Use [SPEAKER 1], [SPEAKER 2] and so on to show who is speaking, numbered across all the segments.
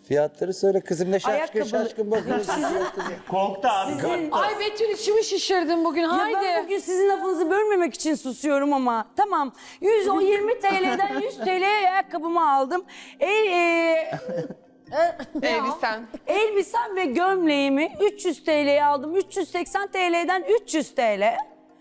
[SPEAKER 1] Fiyatları söyle kızım, ne şaşkın
[SPEAKER 2] Ayakkabı-
[SPEAKER 1] şaşkın bakıyorsun.
[SPEAKER 3] Korktu abi.
[SPEAKER 4] Ay Betül içimi şişirdin bugün.
[SPEAKER 2] Ya
[SPEAKER 4] Haydi.
[SPEAKER 2] ben bugün sizin lafınızı bölmemek için susuyorum ama. Tamam. 120 TL'den 100 TL'ye ayakkabımı aldım.
[SPEAKER 4] Elbisen.
[SPEAKER 2] Elbisem ve gömleğimi 300 TL'ye aldım. 380 TL'den 300 TL.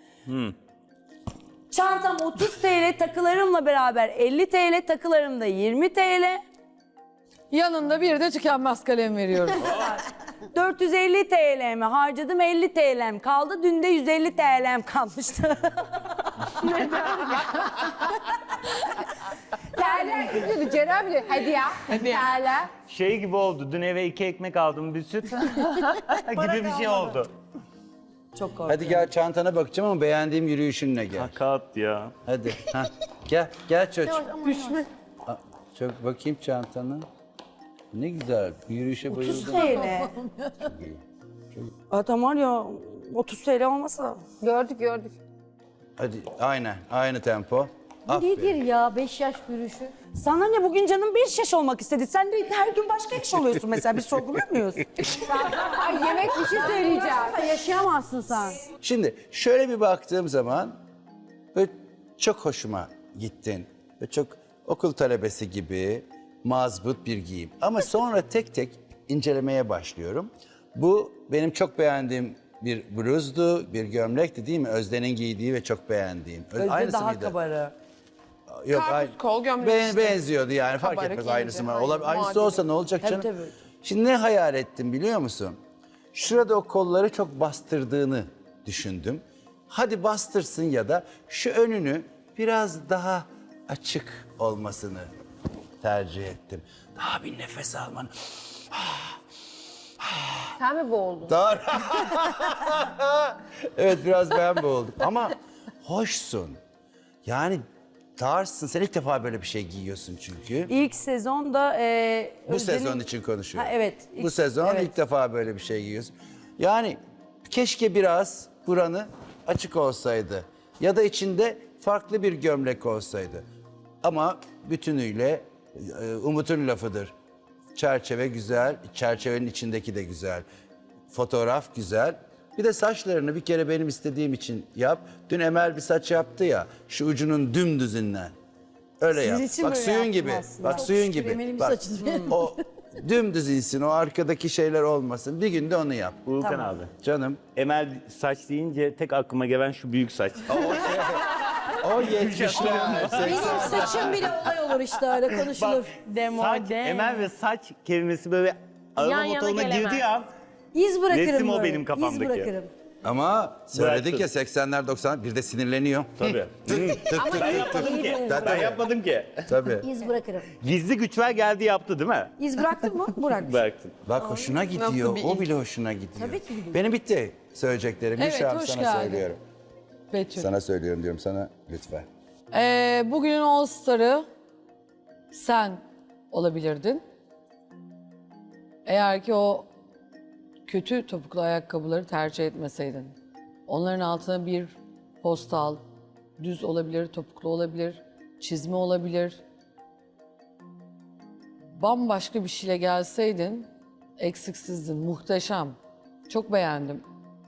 [SPEAKER 2] Çantam 30 TL, takılarımla beraber 50 TL, takılarım da 20 TL.
[SPEAKER 4] Yanında bir de tükenmez kalem veriyoruz.
[SPEAKER 2] 450 TL'mi harcadım, 50 TL'm kaldı. Dün de 150 TL'm kalmıştı.
[SPEAKER 5] Terler gidiyordu Ceren bile. Hadi ya. Terler.
[SPEAKER 3] Şey gibi oldu. Dün eve 2 ekmek aldım, bir süt. gibi bir şey oldu.
[SPEAKER 2] Çok korkuyorum.
[SPEAKER 1] Hadi gel, çantana bakacağım ama beğendiğim yürüyüşünle gel.
[SPEAKER 3] Hakat ya.
[SPEAKER 1] Hadi. Ha. Gel çocuk. Düşme. Çok bakayım çantana. Ne güzel. Bu yürüyüşe
[SPEAKER 2] 30
[SPEAKER 1] bayıldım.
[SPEAKER 2] TL. Adam var ya 30 TL olmasa.
[SPEAKER 5] Gördük.
[SPEAKER 1] Hadi aynen. Aynı tempo. Aferin.
[SPEAKER 5] Nedir ya 5 yaş yürüyüşü?
[SPEAKER 2] Sana ne, bugün canım 5 yaş olmak istedi. Sen de her gün başka yaş oluyorsun mesela. Biz sorguluyor muyuz?
[SPEAKER 5] Ay yemek bir şey söyleyeceğim. Sen yaşayamazsın sen.
[SPEAKER 1] Şimdi şöyle bir baktığım zaman böyle çok hoşuma gittin. Ve çok okul talebesi gibi mazbut bir giyim. Ama sonra tek tek incelemeye başlıyorum. Bu benim çok beğendiğim bir bluzdu, bir gömlekti değil mi? Özden'in giydiği ve çok beğendiğim.
[SPEAKER 2] Özde daha kabarı.
[SPEAKER 1] Yok,
[SPEAKER 4] Karpuz kol gömlek işte.
[SPEAKER 1] benziyordu yani, fark
[SPEAKER 4] Kabarık
[SPEAKER 1] etmez
[SPEAKER 4] ince,
[SPEAKER 1] aynısı mı?
[SPEAKER 4] aynen,
[SPEAKER 1] Aynısı
[SPEAKER 4] muadili.
[SPEAKER 1] olsa ne olacak canım?
[SPEAKER 2] Tabii.
[SPEAKER 1] Şimdi ne hayal ettim biliyor musun? Şurada o kolları çok bastırdığını düşündüm. Hadi bastırsın ya da şu önünü biraz daha açık olmasını tercih ettim. Daha bir nefes almanı.
[SPEAKER 5] Sen mi boğuldun?
[SPEAKER 1] Daha... Evet, biraz ben boğuldum ama hoşsun. Yani tarzsın. Sen ilk defa böyle bir şey giyiyorsun çünkü.
[SPEAKER 2] İlk sezonda
[SPEAKER 1] Bu sezon için konuşuyorum.
[SPEAKER 2] Ha, evet.
[SPEAKER 1] Bu sezon
[SPEAKER 2] evet.
[SPEAKER 1] ilk defa böyle bir şey giyiyorsun. Yani keşke biraz buranı açık olsaydı. Ya da içinde farklı bir gömlek olsaydı. Ama bütünüyle Umut'un lafıdır. Çerçeve güzel, çerçevenin içindeki de güzel. Fotoğraf güzel. Bir de saçlarını bir kere benim istediğim için yap. Dün Emel bir saç yaptı ya, şu ucunun dümdüzünden. Öyle yap.
[SPEAKER 2] için
[SPEAKER 1] Bak
[SPEAKER 2] böyle
[SPEAKER 1] suyun
[SPEAKER 2] yaptım
[SPEAKER 1] gibi.
[SPEAKER 2] aslında.
[SPEAKER 1] Bak
[SPEAKER 2] Çok
[SPEAKER 1] suyun
[SPEAKER 2] şükür
[SPEAKER 1] gibi.
[SPEAKER 2] Emel'in
[SPEAKER 1] Bak
[SPEAKER 2] saçı
[SPEAKER 1] o dümdüz insin, o arkadaki şeyler olmasın. Bir günde onu yap.
[SPEAKER 3] Volkan abi.
[SPEAKER 1] Canım.
[SPEAKER 3] Emel saç deyince tek aklıma gelen şu büyük saç.
[SPEAKER 1] O 70'ler.
[SPEAKER 2] Benim saçım bile olay olur işte, öyle konuşulur.
[SPEAKER 3] Saç, Emel ve saç kelimesi böyle araba
[SPEAKER 5] Yan yana
[SPEAKER 3] motoruna
[SPEAKER 5] gelemez.
[SPEAKER 3] girdi ya.
[SPEAKER 2] İz bırakırım
[SPEAKER 3] Resim o
[SPEAKER 2] böyle.
[SPEAKER 3] benim kafamdaki.
[SPEAKER 2] İz bırakırım.
[SPEAKER 1] Ama söyledik
[SPEAKER 3] Bıraktın.
[SPEAKER 1] ya 80'ler 90'lar bir de sinirleniyor.
[SPEAKER 3] Tabii. Ben yapmadım ki. Ben yapmadım ki.
[SPEAKER 1] Tabii.
[SPEAKER 5] İz bırakırım.
[SPEAKER 3] Gizli güçler geldi yaptı değil mi?
[SPEAKER 2] İz bıraktın mı? Bırak.
[SPEAKER 3] Bıraktın.
[SPEAKER 1] Bak hoşuna gidiyor.
[SPEAKER 4] bir
[SPEAKER 1] O
[SPEAKER 4] iz?
[SPEAKER 1] bile hoşuna gidiyor.
[SPEAKER 2] Tabii ki gidiyor.
[SPEAKER 1] Benim bitti söyleyeceklerim.
[SPEAKER 4] Evet,
[SPEAKER 1] Gülşah,
[SPEAKER 4] hoş
[SPEAKER 1] sana
[SPEAKER 4] geldin.
[SPEAKER 1] söylüyorum.
[SPEAKER 4] Betül.
[SPEAKER 1] Sana söylüyorum diyorum sana lütfen.
[SPEAKER 4] Bugünün All Star'ı sen olabilirdin. Eğer ki o kötü topuklu ayakkabıları tercih etmeseydin. Onların altına bir postal, düz olabilir, topuklu olabilir, çizme olabilir. Bambaşka bir şeyle gelseydin eksiksizdin, muhteşem. Çok beğendim.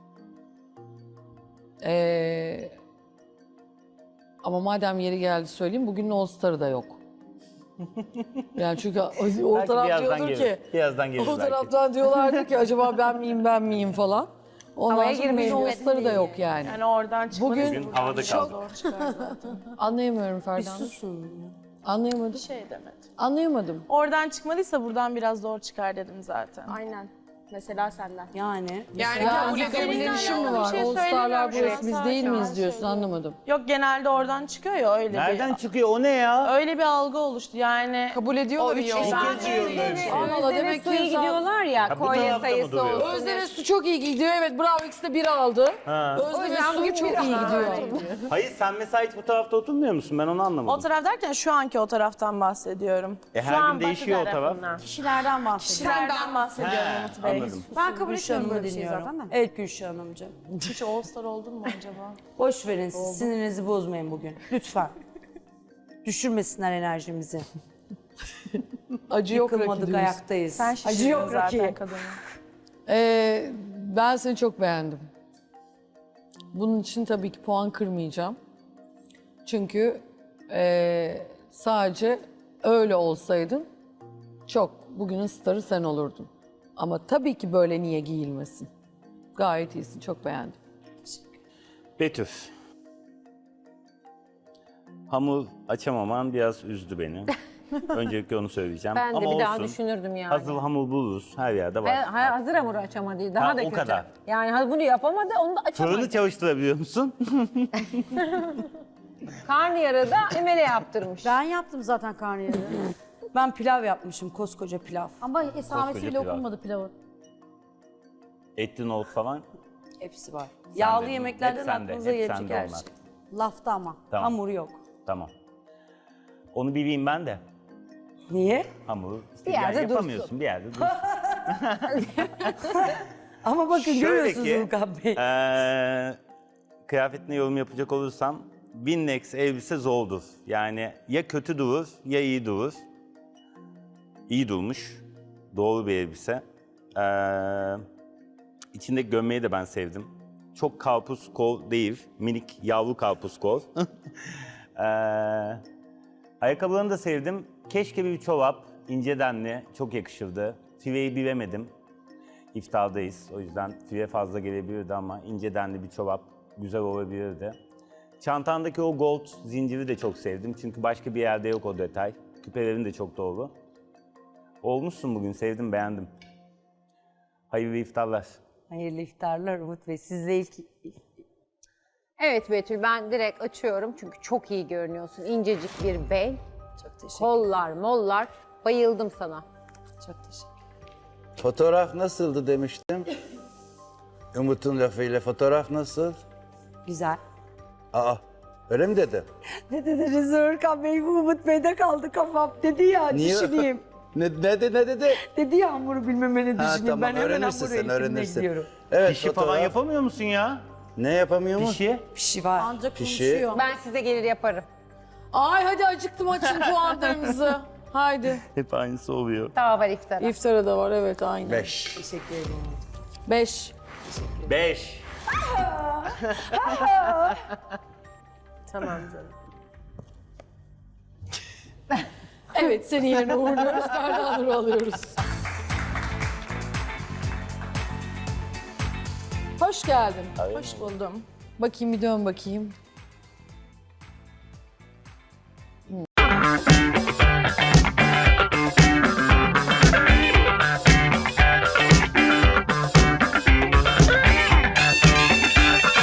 [SPEAKER 4] Ama madem yeri geldi söyleyeyim, bugünün All Star'ı da yok. Yani çünkü o
[SPEAKER 3] Belki
[SPEAKER 4] taraf
[SPEAKER 3] birazdan
[SPEAKER 4] diyordur
[SPEAKER 3] gelir.
[SPEAKER 4] ki,
[SPEAKER 3] Birazdan gelir
[SPEAKER 4] o
[SPEAKER 3] belki.
[SPEAKER 4] taraftan diyorlardı ki acaba ben miyim falan. Ondan
[SPEAKER 5] Havaya
[SPEAKER 4] sonra bugün
[SPEAKER 5] girmeyin
[SPEAKER 4] All Star'ı da yok yani.
[SPEAKER 6] Yani oradan çıkmanız
[SPEAKER 4] Bugün-
[SPEAKER 3] Bugün havada kaldı.
[SPEAKER 6] zor çıkar zaten.
[SPEAKER 4] Anlayamıyorum Ferda Hanım.
[SPEAKER 2] Susun.
[SPEAKER 4] Anlayamadım.
[SPEAKER 6] Şey demedim.
[SPEAKER 4] Anlayamadım.
[SPEAKER 6] Oradan çıkmadıysa buradan biraz zor çıkar dedim zaten.
[SPEAKER 5] Aynen. Mesela senden.
[SPEAKER 2] Yani.
[SPEAKER 4] Yani
[SPEAKER 6] kabul
[SPEAKER 4] senin
[SPEAKER 6] edebilirim.
[SPEAKER 4] işin mi
[SPEAKER 6] Bir
[SPEAKER 4] var?
[SPEAKER 6] şey
[SPEAKER 4] All Star'lar
[SPEAKER 6] söylemiyorum
[SPEAKER 4] burası
[SPEAKER 6] şu
[SPEAKER 4] biz
[SPEAKER 6] an,
[SPEAKER 4] değil
[SPEAKER 6] sakin
[SPEAKER 4] miyiz
[SPEAKER 6] ol.
[SPEAKER 4] diyorsun, anlamadım.
[SPEAKER 6] Yok, genelde oradan çıkıyor ya, öyle
[SPEAKER 3] Nereden
[SPEAKER 6] bir
[SPEAKER 3] çıkıyor o ne ya?
[SPEAKER 6] öyle bir algı oluştu yani.
[SPEAKER 4] Kabul ediyorlar iyi
[SPEAKER 3] İlk kez duyuyorum böyle bir şey.
[SPEAKER 4] Allah Allah, demek ki
[SPEAKER 5] suyu
[SPEAKER 4] insan-
[SPEAKER 5] gidiyorlar ya,
[SPEAKER 3] Ha, bu
[SPEAKER 5] kolye
[SPEAKER 3] tarafta mı
[SPEAKER 5] sayısı
[SPEAKER 3] duruyor?
[SPEAKER 5] olsun.
[SPEAKER 4] Özde ve Su çok iyi gidiyor. Evet, bravo, ikisi de bir aldı.
[SPEAKER 3] Ha.
[SPEAKER 4] Özde ve
[SPEAKER 5] yüzden
[SPEAKER 4] Su
[SPEAKER 5] bugün
[SPEAKER 4] çok
[SPEAKER 5] bir
[SPEAKER 4] iyi gidiyor.
[SPEAKER 3] Hayır, sen mesela hiç bu tarafta oturmuyor musun? Ben onu
[SPEAKER 6] O
[SPEAKER 3] anlamadım.
[SPEAKER 6] taraf derken şu anki o taraftan bahsediyorum.
[SPEAKER 3] Her gün değişiyor o taraf.
[SPEAKER 2] Kişilerden bahsediyorum.
[SPEAKER 6] Kişilerden bahsediyorum
[SPEAKER 3] He,
[SPEAKER 6] Umut Bey.
[SPEAKER 3] anladım.
[SPEAKER 5] Ben kabul
[SPEAKER 2] Gülşah
[SPEAKER 5] etmiyorum
[SPEAKER 2] Hanım'ı
[SPEAKER 5] böyle bir şey
[SPEAKER 2] dinliyorum.
[SPEAKER 5] zaten de.
[SPEAKER 2] Evet Gülşah Hanımcığım.
[SPEAKER 6] Hiç All Star oldun mu acaba?
[SPEAKER 2] Boş verin siz, sinirinizi bozmayın bugün. Lütfen. Düşürmesinler enerjimizi.
[SPEAKER 4] Acı yok
[SPEAKER 2] Yıkılmadık,
[SPEAKER 4] Rocky diyorsun.
[SPEAKER 2] ayaktayız.
[SPEAKER 6] Sen
[SPEAKER 2] Acı
[SPEAKER 6] şişirdin
[SPEAKER 2] yok
[SPEAKER 6] zaten
[SPEAKER 2] Rocky.
[SPEAKER 6] kadını.
[SPEAKER 4] Ben seni çok beğendim. Bunun için tabii ki puan kırmayacağım. Çünkü sadece öyle olsaydın bugünün starı sen olurdun. Ama tabii ki böyle niye giyilmesin? Gayet iyisin, çok beğendim.
[SPEAKER 3] Betül. Hamur açamaman biraz üzdü beni. Öncelikle onu söyleyeceğim.
[SPEAKER 5] Ben de
[SPEAKER 3] Ama
[SPEAKER 5] bir daha
[SPEAKER 3] olsun.
[SPEAKER 5] düşünürdüm yani.
[SPEAKER 3] Hazır hamur buluruz. Her yerde var.
[SPEAKER 5] Hazır hamur açamadı. Daha
[SPEAKER 3] Ha,
[SPEAKER 5] da
[SPEAKER 3] o
[SPEAKER 5] kötü.
[SPEAKER 3] kadar.
[SPEAKER 5] Yani bunu yapamadı, onu da açamadı.
[SPEAKER 3] Fırını çalıştırabiliyor musun?
[SPEAKER 5] Karnıyarıda Emel'e yaptırmış.
[SPEAKER 7] Ben yaptım zaten karnıyarığı.
[SPEAKER 2] Ben pilav yapmışım, koskoca pilav.
[SPEAKER 7] Ama esamesi bile
[SPEAKER 3] pilav.
[SPEAKER 7] okunmadı pilavın.
[SPEAKER 3] Etli nohut falan.
[SPEAKER 2] Hepsi var. Yağlı
[SPEAKER 3] Sende.
[SPEAKER 2] yemeklerden
[SPEAKER 3] Hep sende,
[SPEAKER 2] aklınıza
[SPEAKER 3] hep
[SPEAKER 2] gelecek
[SPEAKER 3] sende
[SPEAKER 2] her
[SPEAKER 3] onlar.
[SPEAKER 2] şey.
[SPEAKER 7] Lafta ama.
[SPEAKER 3] Tamam.
[SPEAKER 2] Hamur yok.
[SPEAKER 3] Tamam. Onu bileyim ben de.
[SPEAKER 2] Niye?
[SPEAKER 3] Hamuru işte
[SPEAKER 5] Bir yerde dursun.
[SPEAKER 3] yapamıyorsun bir yerde dursun.
[SPEAKER 2] Ama bakın
[SPEAKER 3] Şöyle
[SPEAKER 2] görüyorsunuz
[SPEAKER 3] ki,
[SPEAKER 2] Ulkan Bey.
[SPEAKER 3] Kıyafetine yorum yapacak olursam Winnex elbise zordur. Yani ya kötü durur ya iyi durur. İyi durmuş. Doğru bir elbise. İçindeki gömleği de ben sevdim. Çok karpuz kol değil. Minik yavru karpuz kol. Ayakkabılarını da sevdim. Keşke bir çorap, ince denli, çok yakışırdı. Fiveyi bilemedim. İftardayız. O yüzden five fazla gelebilirdi ama ince denli bir çorap güzel olabilirdi. Çantandaki o gold zinciri de çok sevdim. Çünkü başka bir yerde yok o detay. Küpelerin de çok doğru. Olmuşsun bugün. Sevdim, beğendim. Hayırlı iftarlar.
[SPEAKER 2] Hayırlı iftarlar Umut Bey. Siz de ilk
[SPEAKER 5] Evet Betül, ben direkt açıyorum çünkü çok iyi görünüyorsun. İncecik bir bel,
[SPEAKER 2] çok teşekkür
[SPEAKER 5] kollar, mollar. Bayıldım sana.
[SPEAKER 2] Çok teşekkür.
[SPEAKER 1] Fotoğraf nasıldı demiştim. Umut'un lafıyla fotoğraf nasıl?
[SPEAKER 2] Güzel.
[SPEAKER 1] Aa, öyle mi dedi?
[SPEAKER 2] Ne dediniz Urkan Bey? Bu Umut Bey'de kaldı kafam. Dedi ya
[SPEAKER 1] Niye?
[SPEAKER 2] düşüneyim.
[SPEAKER 1] Ne dedi?
[SPEAKER 2] Dedi ya hamuru bilmemeni
[SPEAKER 1] Ha,
[SPEAKER 2] düşüneyim.
[SPEAKER 1] tamam,
[SPEAKER 2] Ben hemen
[SPEAKER 1] öğrenirsin
[SPEAKER 2] hamuru
[SPEAKER 1] sen,
[SPEAKER 2] eğitimine
[SPEAKER 1] öğrenirsin.
[SPEAKER 2] gidiyorum.
[SPEAKER 1] Evet,
[SPEAKER 3] Pişi falan
[SPEAKER 1] fotoğraf.
[SPEAKER 3] yapamıyor musun ya?
[SPEAKER 1] Ne yapamıyor mu?
[SPEAKER 3] Pişi.
[SPEAKER 2] Pişi var.
[SPEAKER 7] Ancak
[SPEAKER 1] Pişi.
[SPEAKER 7] konuşuyor.
[SPEAKER 5] Ben size gelir yaparım.
[SPEAKER 4] Ay hadi acıktım, açın puanlarınızı. Haydi.
[SPEAKER 3] Hep aynısı oluyor.
[SPEAKER 5] Daha var iftara.
[SPEAKER 4] İftara da var, evet aynı.
[SPEAKER 1] 5.
[SPEAKER 2] Teşekkür ederim.
[SPEAKER 4] 5.
[SPEAKER 3] 5.
[SPEAKER 6] Tamam canım.
[SPEAKER 4] Evet, seni yerine uğurluyoruz. Ferda Nur'u alıyoruz. Hoş geldin.
[SPEAKER 6] Hoş buldum.
[SPEAKER 4] Bakayım bir dön bakayım.